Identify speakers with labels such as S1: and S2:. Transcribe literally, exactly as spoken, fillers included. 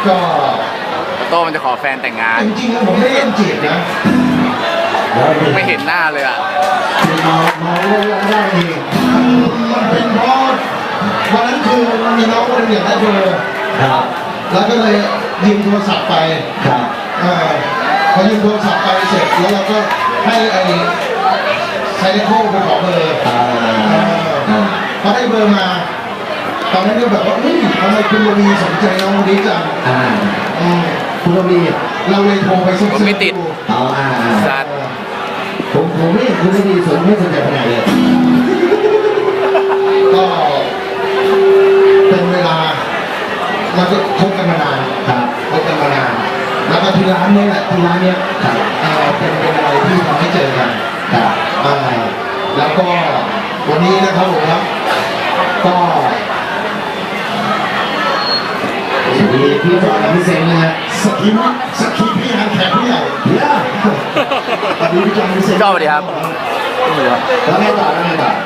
S1: ก็
S2: โต้มันจะขอแฟนแต่งงาน
S1: จริงๆผมไม่เล่นจีบนะ
S2: ไม่เห็นหน้าเลยอ่ะ
S1: มามาเล่นได้เองมันเป็นเพราะวันนั้นคือมีน้องคนหนึ่งได้เบอร์ครับแล้วก็เลยยืมโทรศัพท์ไปครับพอยืมโทรศัพท์ไปเสร็จแล้วเราก็ให้ไอ้ไซเลโค้ไปขอเบอร์พอได้เบอร์มาตอนนั้นก็แบบว่าเฮ้ยทำไมคุณระวีสนใจน้องคนนี้จังคุณระวีเราเลยโทรไปซุบซิบ
S2: ไม่ติด
S3: อ๋ออ่า
S2: สัตว์
S3: ผมผมไม่คุณระวีสนไม่สนใจขนาดเลย
S1: ก็เป็นเวลาเราก็คบกันมานาน
S3: ครับ
S1: คบกันมานานแล้วก็ที่ร้านนี้แหละที่ร้านนี้ครับเป็นเป็นอะไรที่ทำให้เจอกัน
S3: ครับ
S1: แล้วก็วันนี้นะครับผมครับก็
S3: สวัสดีพี่ฟอนพี่เซนนะฮะ
S1: สกีมสกีพี่งานแขกผู้ใหญ่
S3: เยอะ
S1: สวัสดีพี่จอมพี่เซน
S2: ชอบดีครับ
S3: แล้วไงต่อแล้วไงต่อ